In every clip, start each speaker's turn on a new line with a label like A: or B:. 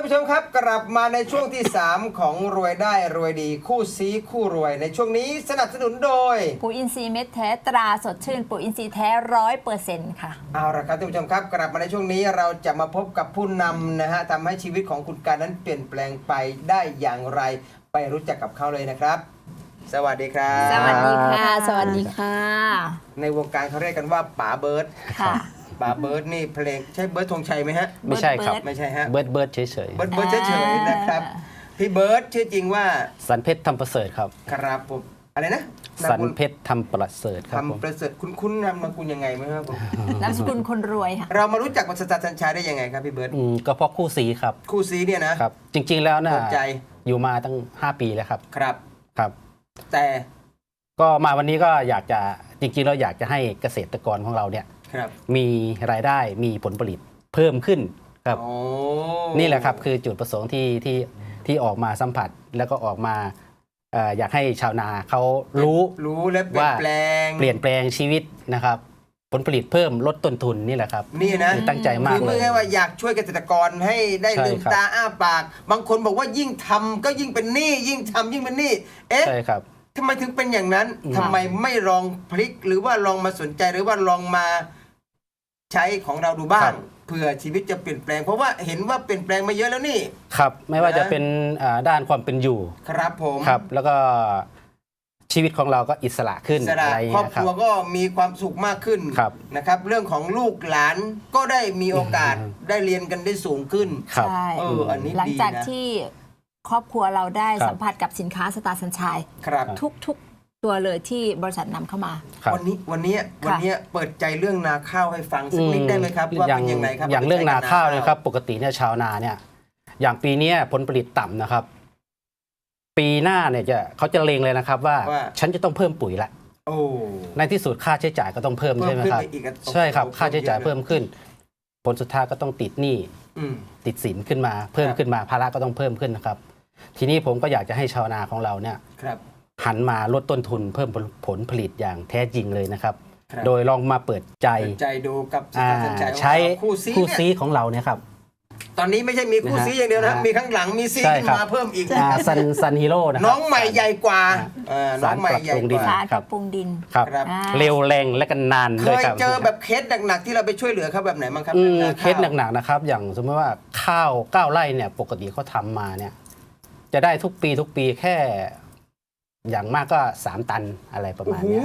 A: ผู้ชมครับกลับมาในช่วงที่ 3 ของรวยได้รวยดีคู่ซีคู่รวยในช่วงนี้สนับสนุนโดย
B: ปุ๋ยอินทรีย์เม็ดแท้ตราสดชื่นปุ๋ยอินทรีย์แท้100%ค่ะ
A: เอาละครับท่านผู้ชมครับกลับมาในช่วงนี้เราจะมาพบกับผู้นำนะฮะทำให้ชีวิตของคุณการนั้นเปลี่ยนแปลงไปได้อย่างไรไปรู้จักกับเขาเลยนะครับสวัสดีครับ
B: สวัสดีค่ะสวัสดีค่ะ
A: ในวงการเขาเรียกกันว่าป๋าเบิร์ด
B: ค่ะ
A: ป๋าเบิร์ดนี่เพลงใช่เบิร์ดธงชัยไหมฮะ
C: ไม่ใช่ครับ
A: ไม่ใช่ฮะ
C: เบิร์ดเฉย
A: เบิร์ดเฉยๆนะครับพี่เบิร์ดชื่อจริงว่า
C: สันเพชรทำประเสริฐครับ
A: ครับผมอะไรนะ
C: สันเพชรทำประเสริฐครับผม
A: ทำประเสริฐคุ้นนามสกุลยังไงไหมครับผม
B: นามสกุลคนรวยค่ะ
A: เรามารู้จักกับสตาร์สัญชัยได้ยังไงครับพี่เบิร์ด
C: ก็เพราะคู่ซีครับ
A: คู่ซีเนี่ยนะครับ
C: จริงๆแล้วนะ
A: ใจ
C: อยู่มาตั้ง5 ปีแล้วครับครับ
A: แต่
C: ก็มาวันนี้ก็อยากจะจริงๆเราอยากจะให้เกษตรกรของเราเนี่ยมีรายได้มีผลผลิตเพิ่มขึ้นครับนี่แหละครับคือจุดประสงค์ที่ออกมาสัมผัสแล้วก็ออกมาอยากให้ชาวนาเขารู้
A: และเปลี่ยน
C: แปลงชีวิตนะครับผลผลิตเพิ่มลดต้นทุนนี่แหละครับ
A: นี่นะ
C: ตั้งใจมากเลย
A: คือไม่ใช่ว่าอยากช่วยเกษตรกรให้ได้ลืมตาอ้าปากบางคนบอกว่ายิ่งทำก็ยิ่งเป็นหนี้ยิ่งทำยิ่งเป็นหนี้
C: ใช่ครับ
A: ทำไมถึงเป็นอย่างนั้นทำไมไม่ลองพลิกหรือว่าลองมาสนใจหรือว่าลองมาใช้ของเราดูบ้างเพื่อชีวิตจะเปลี่ยนแปลงเพราะว่าเห็นว่าเปลี่ยนแปลงมาเยอะแล้วนี่
C: ครับไม่ว่าจะเป็นด้านความเป็นอยู่
A: ครับผม
C: ครับแล้วก็ชีวิตของเราก็อิสระขึ้น
A: อะไรครอบครัวก็มีความสุขมากขึ้นนะครับเรื่องของลูกหลานก็ได้มีโอกาสได้เรียนกันได้สูงขึ้น
B: ใช่
A: อันนี้
B: หลังจากที่ครอบครัวเราได้สัมผัสกับสินค้าสตาร์สัญชัยทุกตัวเลยที่บริษัทนำเข้ามา
A: วันนี้เปิดใจเรื่องนาข้าวให้ฟังสักนิดได้ไหมครับว่าเป็นยังไงครับ
C: อย่างเรื่องนาข้าวนะครับปกติเนี่ยชาวนาเนี่ยอย่างปีนี้ผลผลิตต่ำนะครับปีหน้าเนี่ยเขาจะเลงเลยนะครับว่าฉันจะต้องเพิ่มปุ๋ยละในที่สุดค่าใช้จ่ายก็ต้องเพิ่มใช่ไหมครับใช่ครับค่าใช้จ่ายเพิ่มขึ้นผลสุดท้ายก็ต้องติดหนี้ติดสินขึ้นมาเพิ่มขึ้นมาภาระก็ต้องเพิ่มขึ้นนะครับทีนี้ผมก็อยากจะให้ชาวนาของเราเนี่ยหันมาลดต้นทุนเพิ่มผลผลิตอย่างแท้จริงเลยนะครับโดยลองมาเปิดใจ
A: ดูกับ
C: ใช้คู่ซีของเราเนี่ยครับ
A: ตอนนี้ไม่ใช่มีคู่ซีอย่างเดียวนะมีข้างหลังมีซีขึ้นมาเพิ่มอีก
C: ซันฮีโร่นะ
A: น้องใหม่ใหญ่กว่า
C: น้องใหม่ใหญ่กว่า
B: สารปรับปรุงดิน
C: ครับเร็วแรงและกันนาน
A: เคยเจอแบบเคสหนักๆที่เราไปช่วยเหลือเขาแบบไหนบ้างครับ
C: เคสหนักๆนะครับอย่างสมมติว่าข้าว9 ไร่เนี่ยปกติเขาทำมาเนี่ยจะได้ทุกปีแค่อย่างมากก็3 ตันอะไรประมาณนี้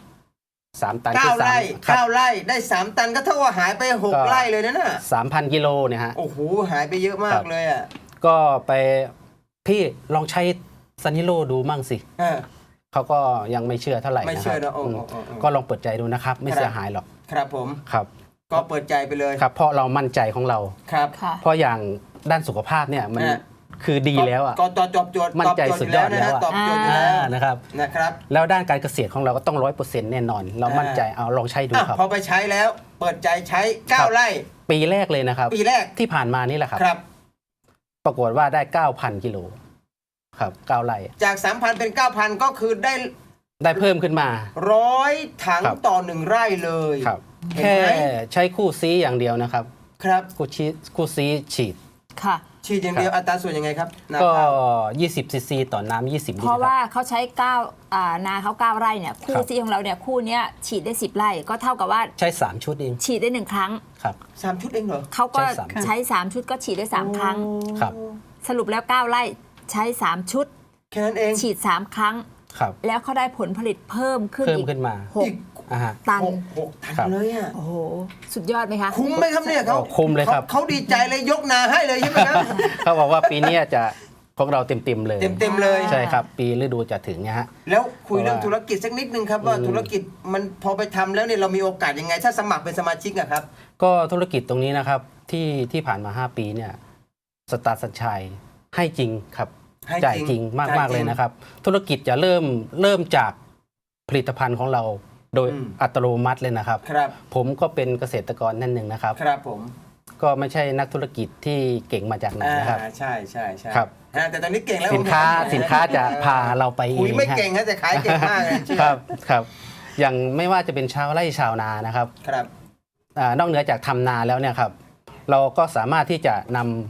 C: 3 ตัน
A: 9 ไร่ได้3 ตันก็เท่ากับหายไป6 ไร่เลยนะน่ะ
C: 3,000 กิโลเนี่ยฮะ
A: โอ้โหหายไปเยอะมากเลยอ่ะ
C: ก็ไปพี่ลองใช้ซันฮิโร่ดูมั่งสิเขาก็ยังไม่เชื่อเท่าไหร่นะครับก็ลองเปิดใจดูนะครับไม่เสียหายหรอก
A: ครับผม
C: ครับ
A: ก็เปิดใจไปเลย
C: ครับเพราะเรามั่นใจของเรา
A: ครับ
C: เพราะอย่างด้านสุขภาพเนี่ยมันคือดีแล้วอ่ะ
A: ก็ตอบโจทย์
C: มั่นใจสุดยอดแล้ว
A: ตอบโจทย์แล้ว
C: นะครับแล้วด้านการเกษตรของเราก็ต้อง100%แน่นอนเรามั่นใจเอาลองใช้ดูครับ
A: พอไปใช้แล้วเปิดใจใช้9 ไร่
C: ปีแรกเลยนะครับ
A: ปีแรก
C: ที่ผ่านมานี่แหละครับปรากฏว่าได้ 9,000 กิโลครับ9 ไร่
A: จาก 3,000 เป็น 9,000 ก็คือ
C: ได้เพิ่มขึ้นมา
A: 100 ถังต่อ1 ไร่เลย
C: แค่ใช้คู่ซีอย่างเดียวนะครับคู่ซีฉีด
A: ฉีดอย่างเดียวอัตราส่วนยังไงครับ
C: ก็20 ซีซีต่อน้ำ20 ลิตร
B: เพราะว่าเขาใช้นาเขา9 ไร่เนี่ยคู่ซีของเราเนี่ยคู่นี้ฉีดได้10 ไร่ก็เท่ากับว่า
C: ใช้3 ชุดเอง
B: ฉีดได้1 ครั้ง
C: ครับ
A: 3 ชุดเองเหรอ
B: เขาก็ใช้3 ชุดก็ฉีดได้3 ครั้ง
C: ครับ
B: สรุปแล้ว9 ไร่ใช้3 ชุด
A: แค่นั้นเอง
B: ฉีด3 ครั้งแล้วเขาได้ผลผลิตเพิ่มขึ้น
C: มา
B: 6 ตัน
A: 6 ตันเลยอ่ะ
B: โอ้โหสุดยอดไหมคะ
A: คุ้มไหมครับเนี่ยเขา
C: คุ้มเลยครับ
A: เขาดีใจเลยยกนาให้เลยใช่ไหมครับ
C: เขาบอกว่าปีนี้จะของเราเต็มเลย
A: เต็มเลย
C: ใช่ครับปีฤดูจะถึงเนี่ยฮะ
A: แล้วคุยเรื่องธุรกิจสักนิดนึงครับว่าธุรกิจมันพอไปทำแล้วเนี่ยเรามีโอกาสยังไงถ้าสมัครเป็นสมาชิกอะครับ
C: ก็ธุรกิจตรงนี้นะครับที่ผ่านมา5 ปีเนี่ยสตาร์สัญชัยให้จริงครับจ่ายจริงมากเลยนะครับธุรกิจจะเริ่มจากผลิตภัณฑ์ของเราโดยอัตโนมัติเลยนะครับผมก็เป็นเกษตรกรนั่นหนึ่งนะครับ
A: ครับผม
C: ก็ไม่ใช่นักธุรกิจที่เก่งมาจากไหนนะครับ
A: ใช่ครับแต่ตอนนี้เก่งแล้ว
C: สินค้าจะพาเราไป
A: คุยไม่เก่งนะแต่ขายเก่งมากเลย
C: ครับอย่างไม่ว่าจะเป็นชาวไร่ชาวนานะครับนอกเหนือจากทำนาแล้วเนี่ยครับเราก็สามารถที่จะนำ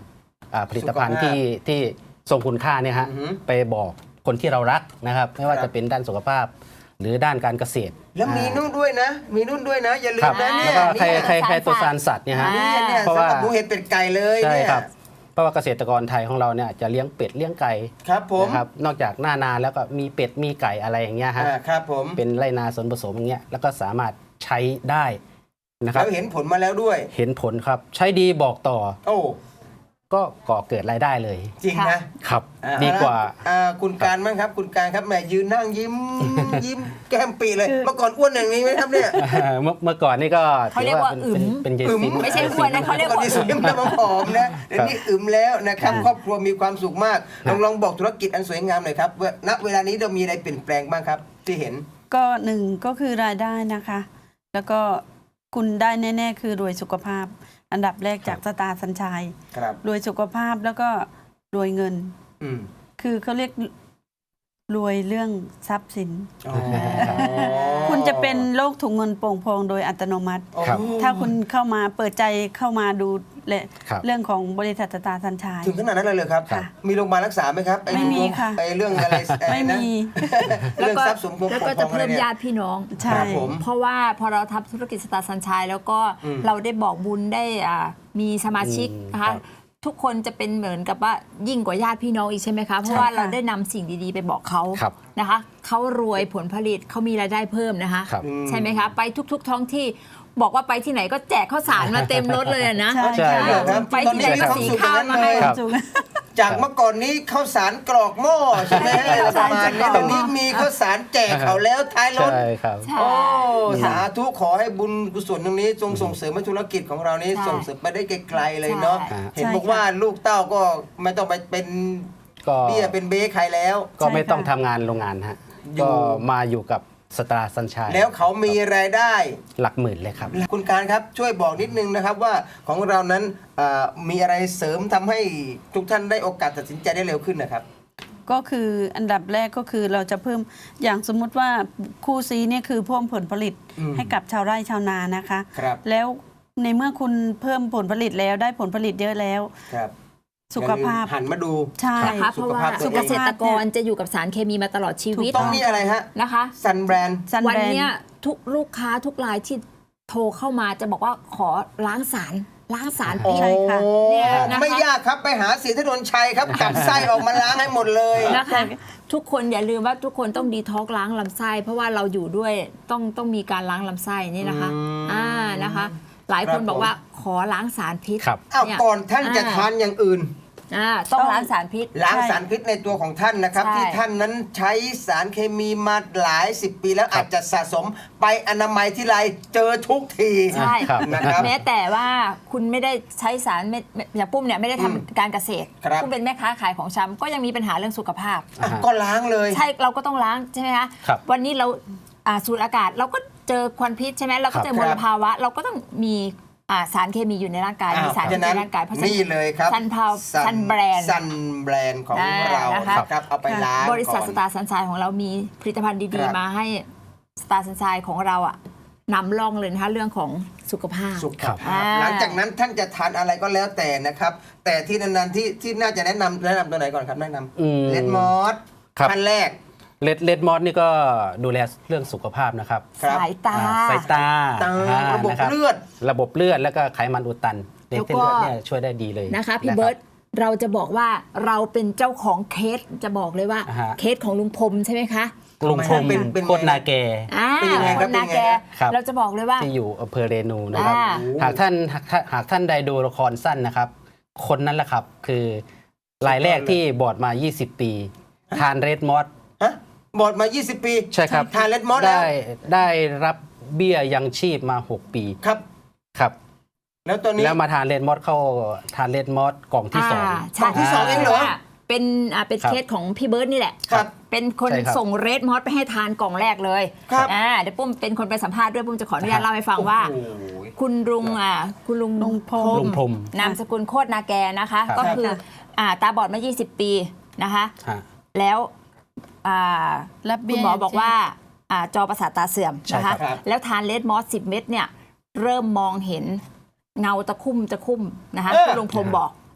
C: ผลิตภัณฑ์ที่ทรงคุณค่าเนี่ยฮะ
A: อือหือ
C: ไปบอกคนที่เรารักนะครับ ไม่ว่า
A: ครับ
C: จะเป็นด้านสุขภาพ หรือด้านการเกษตร
A: แล้วมีนู่นด้วยนะ มีนู่นด้วยนะ อย่าลื
C: ครั
A: ม
C: บ
A: นะเนี่
C: แล้ว
A: ย
C: ก็ไข่ตัวสารสัตว์เนี่ยฮะ
A: เนี่ย
C: เพราะ
A: สำ
C: ว่า
A: หรับหมูเห็ดเป็ดไก่เลย
C: ใช่
A: เนี่ย
C: ครับ เพราะว่าเกษตรกรไทยของเราเนี่ยจะเลี้ยงเป็ดเลี้ยงไก่
A: ครับผม
C: นะครับนอกจากหน้านาแล้วก็มีเป็ดมีไก่อะไรอย่างเงี้ยฮะ
A: ครับผม
C: เป็นไรนาส่วนผสมอย่างเงี้ยแล้วก็สามารถใช้ได้นะครับ
A: แล้วเห็นผลมาแล้วด้วย
C: เห็นผลครับใช้ดีบอกต่อ
A: โอ้
C: ก็ก่อเกิดรายได้เลย
A: จริงนะ
C: ครับ
A: อ่
C: ดีกว่า
A: คุณการมั้งครับ คุณการครับแหมยืนนั่งยิ้ม ยิ้มแก้มปีเลย เมื่อก่อนอ้วนอย่างนี้ไหมครับเนี่ย
C: เมื่อก่อนนี่ก็
B: เขาเรียกว่าอึ๋ม
C: เป็นเย
A: อึ๋ม
C: ซิม
B: ไม่ใช่อ้วนนะเขาเรียกว่า
A: ก่อนที่สวยมันจะมาผอมนะเดี๋ยวนี้อึมแล้วนะครับ ครอบครัวมีความสุขมาก ลองบอกธุรกิจอันสวยงามหน่อยครับว่าณเวลานี้เรามีอะไรเปลี่ยนแปลงบ้างครับ ที่เห็น
D: ก็หนึ่งก็คือรายได้นะคะ แล้วก็คุณได้แน่ๆคือรวยสุขภาพ อันดับแรกจากสตาร์สัญชัย
A: ครับ
D: รวยสุขภาพแล้วก็รวยเงิน
A: อืม
D: คือเขาเรียกรวยเรื่องทรัพย์สิน
A: อ๋อ
D: คุณจะเป็นโรคถุงเงินโป่งพองโดยอัตโนมัติ
C: ครับ
D: ถ้าคุณเข้ามาเปิดใจเข้ามาดูและ
C: ครับ
D: เรื่องของบริษัทสตาร์สัญชัย
A: ถึงขนาดนั้นเลยเหรอครับ
D: ค่ะ
A: มีโรงพยาบาลรักษาไหมครับ
D: ไม่มีค่ะ
A: ไอ้เรื่องอะไร
D: ไม่มี
A: เรื่องทรัพย์สมบัติ
B: แล้วก็จะเพิ่มญาติพี่น้อง
D: ใช่
A: ครับผม
B: เพราะว่าพอเราทำธุรกิจสตาร์สัญชัยแล้วก็
A: อืม
B: เราได้บอกบุญได้มีสมาชิกนะ
C: ครั
B: คะ
C: บ
B: ทุกคนจะเป็นเหมือนกับว่ายิ่งกว่าญาติพี่น้องอีกใช่ไหมคะเพราะว่าเราได้นำสิ่งดีๆไปบอกเขา
C: ครับ
B: นะคะเขารวยผลผลิตเขามีรายได้เพิ่มนะคะ
C: ครับ
B: ใช่ไหมคะไปทุกๆท้องที่บอกว่าไปที่ไหนก็แจกข้าวสารมาเต็มรถเลยอะนะ
D: ใช่
C: ใช่
A: เหรอครับ
B: ไปที่ไหนก็สีข้าวมาให้
C: ครับ
A: จากเมื่อก่อนนี้ข้าวสารกรอกหม้อใช่ไหมประมาณนี้ตอนนี้มีข้าวสารแจกเขาแล้วท้ายรถ
C: ใช่ครับ
B: ใช่
A: โอ้สาธุขอให้บุญกุศลตรงนี้ส่งเสริมให้ธุรกิจของเรานี้
B: ใช่
A: ส่งเสริมไปได้ไกลๆเลยเนาะ
B: ใช่
A: เห็นบอกว่าลูกเต้าก็ไม่ต้องไปเป็น
C: ก็
A: เบี้ยเป็นเบ้ใครแล้ว
C: ก็ไม่
D: ใช่ค่ะ
C: ต้องทำงานโรงงานฮะ
A: อยู่
C: ก็มาอยู่กับสตาร์สัญชัย
A: แล้วเขามีรายได้
C: หลักหมื่นเลยครับ
A: คุณการครับช่วยบอกนิดนึงนะครับว่าของเรานั้นมีอะไรเสริมทำให้ทุกท่านได้โอกาสตัดสินใจได้เร็วขึ้นนะครับ
D: ก็คืออันดับแรกก็คือเราจะเพิ่มอย่างสมมุติว่าคู่ซีเนี่ยคือเพิ่มผลผลิต
A: อืม
D: ให้กับชาวไร่ชาวนานะคะ
A: ครับ
D: แล้วในเมื่อคุณเพิ่มผลผลิตแล้วได้ผลผลิตเยอะแล้ว
A: ครับ
D: สุขภาพ
A: อย่ลืมหันมาดู
D: ใช่
B: นะคะเพราะว่า
A: สุขภาพตัวเอง
B: เกษตรกรจะอยู่กับสารเคมีมาตลอดชีวิต
A: ต้องนี่อะไรฮะ
B: นะคะ
A: ซันแบรนด์
D: ซัน
B: วัน
D: แบรน
B: เนี้ย
D: ด์
B: ทุกลูกค้าทุกรายที่โทรเข้ามาจะบอกว่าขอล้างสารพิษ
D: ใช่ค่ะ
B: เนี่ยนะคะ
A: ไม่ยากครับไปหาเสียถนนชัยครับจับไส้ออกมาล้างให้หมดเลย
B: นะคะทุกคนอย่าลืมว่าทุกคนต้องดีท็อกซ์ล้างลำไส้ เพราะว่าเราอยู่ด้วยต้องมีการล้างลำไส้นี่นะคะ นะคะ หลายคนบอกว่าขอล้างสารพิษ
C: ครับ
A: อ้าว
B: เนี่ย
A: ก่อนท่านจะทานอย่างอื่น
B: ต้องล้างสารพิษ
A: ล้างสารพิษในตัวของท่านนะครับ
B: ใช่
A: ที่ท่านนั้นใช้สารเคมีมาหลายสิบปีแล้วอาจจะสะสมไปอนามัยที่ไรเจอทุกที
B: ใช่
C: ครับ
A: นะครับ
B: แม้แต่ว่าคุณไม่ได้ใช้สารอย่างปุ้มเนี่ยไม่ได้ทำการเกษตร
A: ครับ
B: ปุ้มเป็นแม่ค้าขายของชำก็ยังมีปัญหาเรื่องสุขภาพ
A: อ่ะก็ล้างเลย
B: ใช่เราก็ต้องล้างใช่ไหมคะ
C: ครับ
B: วันนี้เราสูดอากาศเราก็เจอควันพิษใช่ไหมเราก็เจอมลภาวะ เราก็ต้องมีสารเคมีอยู่ในร่างกาย มีสารพิษในร่างกายเพราะฉะนั้น
A: นี่เลยครับ
B: ซันแบรนด์
A: ซันแบรนด์ของเรา
B: นะคะ
A: นะครับเอาไปล้าง
B: บริษัท
A: ก่อน
B: สตาร์สัญชัยของเรามีผลิตภัณฑ์
A: ค
B: ดี
A: รับ
B: ๆ มาให้สตาร์สัญชัยของเรานำร่องเลยนะคะเรื่องของสุขภาพ
A: สุข
C: ครับ
A: ภาพหลังจากนั้นท่านจะทานอะไรก็แล้วแต่นะครับ แต่ที่นานๆที่น่าจะแนะนำตัวไหนก่อนครับแนะน
C: อืม
A: ำเลดมอส
C: ครับ
A: ขั้นแรก
C: เลดมอสนี่ก็ดูแลเรื่องสุขภาพนะครับ
A: ครับ
B: สายตา
C: สายตา
A: ระบบ
C: นค
A: เลือด
C: ระบบเลือดแล้วก็ไขมันอุดตันใน
B: แล้ว
C: เส้น
B: ก็
C: เลือดเนี่ยช่วยได้ดีเลย
B: นะคะพี่
C: รับ
B: เบิร์ตเราจะบอกว่าเราเป็นเจ้าของเคสจะบอกเลยว่า
C: อ่าฮะ
B: เคสของลุงพรมใช่ไหมคะ
C: ลุงพรม
A: เป็นไง
C: โคตรนาแก
A: เป็นยังไง
B: ค
A: ครับ
B: นนาแก
C: ครับ
B: เราจะบอกเลยว่า
C: ที่อยู่อำเภอเรนูนะครับ
B: อ่า
C: หากท่านใดดูละครสั้นนะครับ คนนั้นแหละครับคือรายแรกที่บอดมา 20 ปี ทานเรดมอส
A: ฮะบอดมา 20 ปี
C: ใช่ครับ
A: ทานเลดมอสแล้ว
C: ได้รับเบี้ยยังชีพมา 6 ปี
A: ครับ
C: ครับ
A: แล้วตอนนี้
C: แล้วมาทานเรดมอสเข้าทานเรดมอสกล่องที่สอง
B: ใช่
A: กล่องที่สองเองเหรอ
B: เป็นเป็น
C: ครับ
B: เคสของพี่เบิร์ตนี่แหละ
A: ครับ
B: เป็นคน
C: ใช่ครับ
B: ส่งเรดมอสไปให้ทานกล่องแรกเลย
A: ครับ
B: เดี๋ยวปุ้มเป็นคนไปสัมภาษณ์ด้วยปุ้มจะขออนุญาตเล่าให้ฟังว่า
A: โอ้โห
B: คุณลุงคุณลุง
D: ลุงพรหม
C: ลุงพรหม
B: นามสกุลโคตรนาแกนะคะ
C: ครับ
B: ก็คือตาบอดมา 20 ปีนะคะ
C: ฮะ
B: แล้ว
D: รับเบี้
B: คุ
D: ย
B: ณหมอบอกว่าจอประสาทตาเสื่อม
C: ใช่
B: นะ
C: ครั
B: คะ
C: บ
A: ครับ
B: แล้วทานเลดมอส10 เม็ดเนี่ยเริ่มมองเห็นเงาตะคุ่มนะคะ
A: เออ
B: คุณลุงพรหมบอก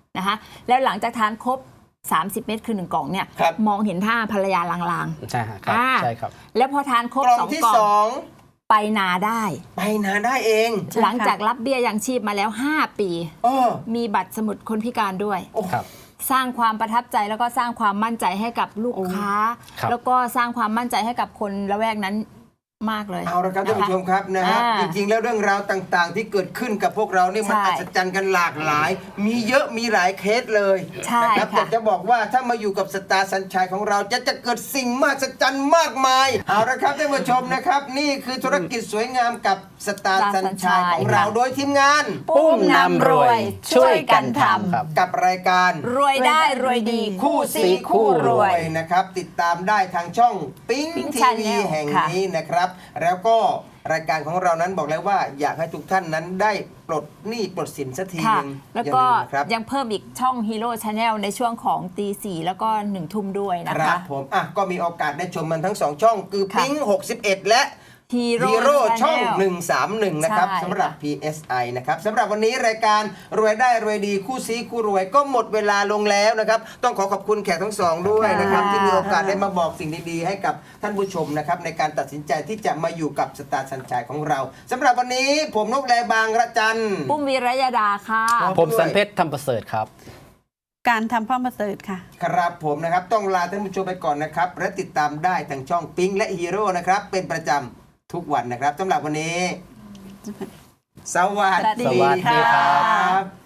B: นะคะแล้วหลังจากทานครบ 30 เม็ดคือ 1 กล่องเนี่ย
A: ครับ
B: มองเห็นท่าภรรยาลาง
C: ใช่ครับ
B: อ่า
C: ใช่ครับ
B: ๆ แล้วพอทานครบ
A: กล่องที่
B: 2 กล่อง
A: สอง
B: ไปนาได้
A: ไปนาได้เอง
D: ใช่ค่ะ
B: หลังจากรับเบี้ยยังชีพมาแล้ว 5 ปี
A: เออ
B: มีบัตรสมุดคนพิการด้วย
C: ครับ
B: สร้างความประทับใจแล้วก็สร้างความมั่นใจให้กับลูกค้า
C: ครับ
B: แล้วก็สร้างความมั่นใจให้กับคนละแวกนั้นมากเลย
A: เอาละครับท่านผู้ชมครับนะฮะ
B: อ่า
A: จริงๆแล้วเรื่องราวต่างๆ ที่เกิดขึ้นกับพวกเรานี่มัน
B: ใช่
A: อัศจรรย์กันหลากหลาย มีเยอะมีหลายเคสเลย
B: ใช่
A: นะครับ
B: ค่ะ
A: แต่จะบอกว่าถ้ามาอยู่กับสตาร์สัญชัยของเราจะเกิดสิ่งมหัศจรรย์มากมายเอาละครับท่านผู้ชมนะครับ นี่คือธุรกิจสวยงามกับสตาร์สัญชัยของเราโดยทีมงาน
B: ปุ้มนำรวยช่วยกันท
C: ครับ
A: กับรายการ
B: ำรวยได้รวยดี
A: คู่ซีคู่รวยนะครับ ติดตามได้ทางช่องปิ๊ง
B: Pink
A: ทีวี
B: Channel
A: แห่ง
B: ค่ะ
A: นี้นะครับ แล้วก็รายการของเรานั้นบอกแล้วว่าอยากให้ทุกท่านนั้นได้ปลดหนี้ปลดสินสักที
B: ค่ะ
A: หนึง
B: แล้ว
A: อย่า
B: ก็
A: ลืมนะครับ
B: ยังเพิ่มอีกช่อง Hero Channel ในช่วงของตี 4 แล้วก็ 1 ทุ่มด้วยนะ
A: ครั
B: คะ
A: บผมอ่ะก็มีโอกาสได้ชมมันทั้ง 2 ช่อง คือ
B: ค่ะ
A: ปิ๊ง61 และ
B: Hero
A: ฮีโร่ช่อง
B: Channel
A: 131 นะครับ
B: ใช่
A: สำหรับ PSI นะครับสำหรับวันนี้รายการรวยได้รวยดีคู่ซีคู่รวยก็หมดเวลาลงแล้วนะครับ ต้องขอบคุณแขกทั้งสองด้วยนะครับ ที่มีโอกาสได้มาบอกสิ่งดีๆ ให้กับท่านผู้ชมนะครับในการตัดสินใจที่จะมาอยู่กับสตาร์สัญชัยของเราสำหรับวันนี้ผมนกแลบางระจัน
B: ปุ้มวีรยดาค่ะ
C: ผมสันเพชรทำประเสริฐครับ
D: การทำพ่อประเสริฐค่ะ
A: ครับผมนะครับต้องลาท่านผู้ชมไปก่อนนะครับและติดตามได้ทางช่องปิ๊งและฮีโร่นะครับเป็นประจำทุกวันนะครับสำหรับวันนี้ สวัส
B: สวัสดี
A: ดี
C: ค่ะ
A: ครับ